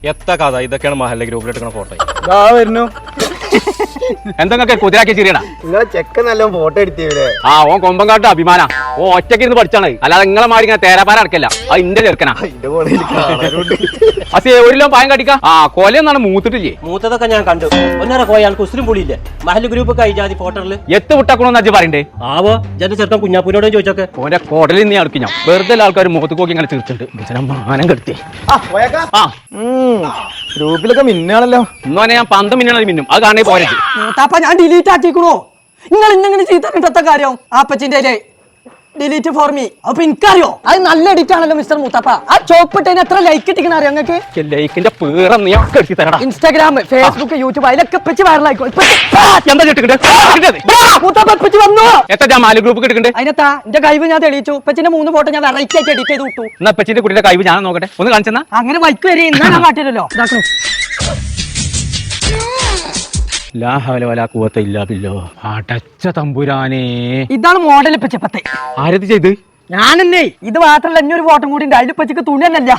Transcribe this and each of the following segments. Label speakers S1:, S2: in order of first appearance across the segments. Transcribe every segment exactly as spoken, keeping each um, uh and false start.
S1: എത്ര കഥ ഇതൊക്കെയാണ് മഹല്ല ഗ്രൂപ്പിലിട്ട് ഫോട്ടോ
S2: വരുന്നു എന്തൊക്കെ കുതിരാക്കി ചിരിയടാ
S3: നിങ്ങളെ ചെക്കൻ നല്ല ഫോട്ടോ എടുത്തില്ലേ?
S2: ആ ഓൻ കൊമ്പങ്കാട്ട് അഭിമാന ഓ ഒറ്റയ്ക്ക് ഇരുന്ന് പഠിച്ചാണ്, അല്ലാതെ നിങ്ങളെ മാറി ഇങ്ങനെ തേരാപ്പാര അടക്കല്ല. അത് ഇന്റെ ചെറുക്കനാ. അസേ ഒരു കിലോ പായം കടിക്കാം. ആ കൊലയൊന്നാണ് മൂത്തിട്ടില്ലേ?
S4: മൂത്തതൊക്കെ ഞാൻ കണ്ടു. ഒന്നര കോയാൾക്ക് ഉസ്രും പൊളിയില്ലേ മഹല് ഗ്രൂപ്പ് കൈജാതി ഫോട്ടോയില്
S2: എത്ത് വിട്ടക്കണോന്ന് അജ്ജ് പറയണ്ടേ?
S4: ആവോ ജന്റെ ചെറുക്കൻ കുഞ്ഞാപ്പൂരോടും ചോദിച്ചോക്കെ.
S2: ഓന്റെ കോടലിൽ നീ അടുക്കി ഞാൻ വെറുതെ ആൾക്കാർ മുഖത്ത് നോക്കി ഇങ്ങനെ തീർച്ചിട്ടുണ്ട്. മാനം കെടുത്തി
S3: ഗ്രൂപ്പിലൊക്കെ മിന്നാണല്ലോ.
S2: ഇന്നോനെ ഞാൻ പന്ത് മിന്നണത് മിന്നും. അത് കാണേ പോരെ
S5: മൂത്താപ്പ ഞാൻ ഡിലീറ്റ് ആക്കിക്കണോ? നിങ്ങൾ ഇന്നെങ്ങനെ ചീത്ത കിട്ടത്ത കാര്യം ആപ്പച്ചിന്റെ ഡിലീറ്റ് ഫോർ മീ. അപ്പൊ എനിക്കറിയോ അത് നല്ല എഡിറ്റ് ആണല്ലോ മിസ്റ്റർ മൂത്താപ്പ. ആ ചോപ്പിട്ടതിന് എത്ര ലൈക്ക് ഇട്ടിക്കണ അറിയോ നിങ്ങൾക്ക്?
S2: ലൈക്കിന്റെ പേര് നീ കെടുത്തി തരടാ.
S5: ഇൻസ്റ്റാഗ്രാം, ഫേസ്ബുക്ക്, യൂട്യൂബ് അതിലൊക്കെ ഇപ്പച്ചി വൈറലായിക്കോ.
S2: എന്താ
S5: വന്നു
S2: എത്ര ഞാൻ മാലു ഗ്രൂപ്പ് കിട്ടുന്നുണ്ട്.
S5: അതിനെത്താ എന്റെ കഴിവ് ഞാൻ തെളിയിച്ചു. ഇപ്പച്ചിന്റെ മൂന്ന് ഫോട്ടോ ഞാൻ വെറൈറ്റി ആയിട്ട് എഡിറ്റ് ചെയ്ത് വിട്ടു.
S2: എന്നാ പച്ചിന്റെ കുട്ടിയുടെ കഴിവ് ഞാൻ നോക്കട്ടെ, ഒന്ന് കാണിച്ചെന്നാ.
S5: അങ്ങനെ വൈക്ക് വരെ ഇന്നാ ഞാൻ കാട്ടില്ലല്ലോ. ഇതാക്കണേ
S2: ലാ ഹവല വലാ ഖുവത ഇല്ലാ ബില്ലാഹ്. അടച്ച തമ്പുരാനേ,
S5: ഇതാണ് മോഡൽ ഇപ്പച്ചപ്പത്തെ.
S2: ആരത് ചെയ്ത്?
S5: ഞാനെന്നേ. ഇത് മാത്രല്ല ഇനി ഒരു ഫോട്ടോ കൂടി ഉണ്ട്. അതിൽ ഇപ്പച്ചിക്ക് തുണി തന്നെയല്ല.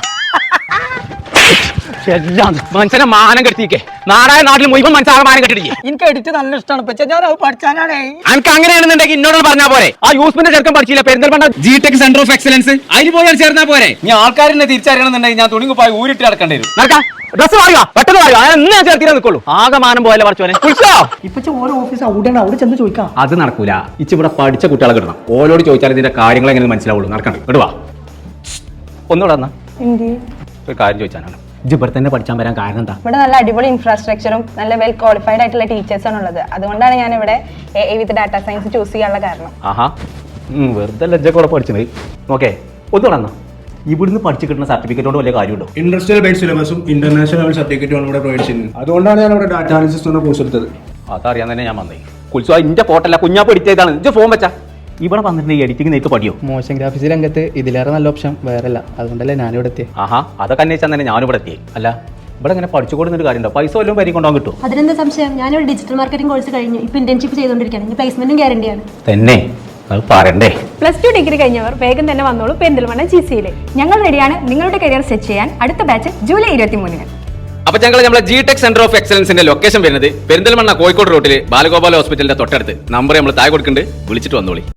S2: എല്ലാം മനുഷ്യനെ മാനം കെടുത്തിക്കേ. നാടായ നാട്ടിൽ മുഴുവൻ മനുഷ്യനെ മാനം കെട്ടിടിക്കേ.
S5: എനിക്ക് എഡിറ്റ് നല്ല ഇഷ്ടമാണ്. പക്ഷെ ഞാൻ അത് പഠിച്ചാനാണേ.
S2: എനിക്ക് അങ്ങനെയാണെന്നുണ്ടെങ്കിൽ എന്നോട് പറഞ്ഞാൽ പോരെ. ആ യൂസ്മിന്റെ ചെറുക്കൻ പഠിച്ചില്ല Perinthalmanna G tech centre of excellence, അതിൽ പോയി ചേർന്നാ പോരെ. ഞാൻ ആൾക്കാരെ തിരിച്ചറിയണമെന്നുണ്ടെങ്കിൽ ഞാൻ തുണിങ്ങ് പോയി ഊരിട്ട് നടക്കേണ്ടി വരും. നടക്കാം, ഡ്രസ് പറയുക പെട്ടെന്ന് പറയുക. ഞാൻ ഞാൻ ചേർത്തിരാ നിൽക്കുള്ളൂ. ആകെ മാനം പോയല്ലേ പഠിച്ചോനെ.
S5: ഇപ്പൊ ഓരോ ഓഫീസ് അവിടെയാണ്, അവിടെ ചെന്ന് ചോദിക്കാം.
S2: അത് നടക്കൂല. ഇച്ച് ഇവിടെ പഠിച്ച കുട്ടികളെ കിട്ടണം. ഓരോട് ചോദിച്ചാൽ ഇതിന്റെ കാര്യങ്ങൾ എങ്ങനെ മനസ്സിലാവുള്ളൂ. നടക്കണ്ട ഇടുവാ. ഒന്നുകൂടെ വന്നാ ഒരു കാര്യം ചോദിച്ചാനാണ്. ഇജ്ജ് ഇവിടെ തന്നെ പഠിച്ചാൻ വരാൻ കാരണം എന്താ?
S6: ഇവിടെ നല്ല അടിപൊളി ഇൻഫ്രാസ്ട്രക്ചറും നല്ല വെൽ ക്വാളിഫൈഡ് ആയിട്ടുള്ള ടീച്ചേഴ്സാണ് ഉള്ളത്. അതുകൊണ്ടാണ് ഞാൻ ഇവിടെ a with data science choose ചെയ്യാനുള്ള കാരണം.
S2: ആഹാ, വെറുതെ ലജ്ജക്കൂടെ പഠിച്ചത്. ഓക്കെ, ഒന്നുകൂടെ വന്നാ. ഇവിടുന്ന് പഠിച്ചു കിട്ടുന്ന സർട്ടിഫിക്കറ്റ് കൊണ്ട് വലിയ കാര്യമുണ്ടോ?
S7: ഇൻഡസ്ട്രിയൽ ബേസ്ഡ് സിലബസും ഇന്റർനാഷണൽ ലെവൽ സർട്ടിഫിക്കറ്റും ഇവിടെ പ്രൊവൈഡ് ചെയ്യുന്നത്. അതുകൊണ്ടാണ് ഞാൻ ഇവിടെ ഡാറ്റ അനാലിസിസ് എന്ന കോഴ്സ് എടുത്തത്.
S2: അതറിയാൻ തന്നെ ഞാൻ വന്നേ. കുൽസോ ഇന്റെ ഫോട്ടല്ല കുഞ്ഞാപ്പ് എഡിറ്റേതാണ്. ഇജ്ജ് ഫോൺ വെച്ചാ ഇവിടെ വന്നിട്ട് എഡിറ്റിംഗ് നേരിട്ട് പഠിയോ?
S8: മോശം ഗ്രാഫിക്സ് രംഗത്ത് ഇതിലേറെ നല്ല ഓപ്ഷൻ വേറല്ല. അതുകൊണ്ടല്ലേ ഞാനിവിടെ എത്തിയത്.
S2: ആഹാ, അതൊക്കെ അന്വേഷിച്ചാൽ തന്നെ ഞാനിവിടെ എത്തിയേ. അല്ല ഇവിടെ ഇങ്ങനെ പഠിച്ചു കൊടുക്കുന്നൊരു കാര്യമുണ്ടോ? പൈസ വല്ലതും പരി കൊണ്ടുപോകാൻ കിട്ടും?
S9: അതിനെന്താ സംശയം? ഞാനിവിടെ ഡിജിറ്റൽ മാർക്കറ്റിംഗ് കോഴ്സ് കഴിഞ്ഞു. ഇപ്പൊ ഇന്റേൺഷിപ്പ് ചെയ്തുകൊണ്ടിരിക്കുകയാണ്. ഇനി പ്ലേസ്മെന്റും ഗ്യാരണ്ടിയാണ്.
S2: തന്നെ അത് പറയണ്ടേ.
S6: പ്ലസ് ടു ഡിഗ്രി കഴിഞ്ഞവർ വേഗം തന്നെ വന്നോളൂ പെരിന്തൽമണ്ണ ജി സിയിൽ. ഞങ്ങൾ റെഡിയാണ് നിങ്ങളുടെ കരിയർ സെറ്റ് ചെയ്യാൻ. അടുത്ത ബാച്ച് ജൂലൈ ഇരുപത്തി മൂന്നിന്.
S2: അപ്പൊ ഞങ്ങൾ നമ്മളെ ജി ടെക് സെന്റർ ഓഫ് എക്സലൻസിന്റെ ലൊക്കേഷൻ വരുന്നത് പെരിന്തൽമണ്ണ കോഴിക്കോട് റോട്ടില് ബാലഗോപാല ഹോസ്പിറ്റലിന്റെ തൊട്ടടുത്ത്. നമ്പർ നമ്മൾ താഴെ കൊടുക്കുന്നുണ്ട്, വിളിച്ചിട്ട് വന്നോളി.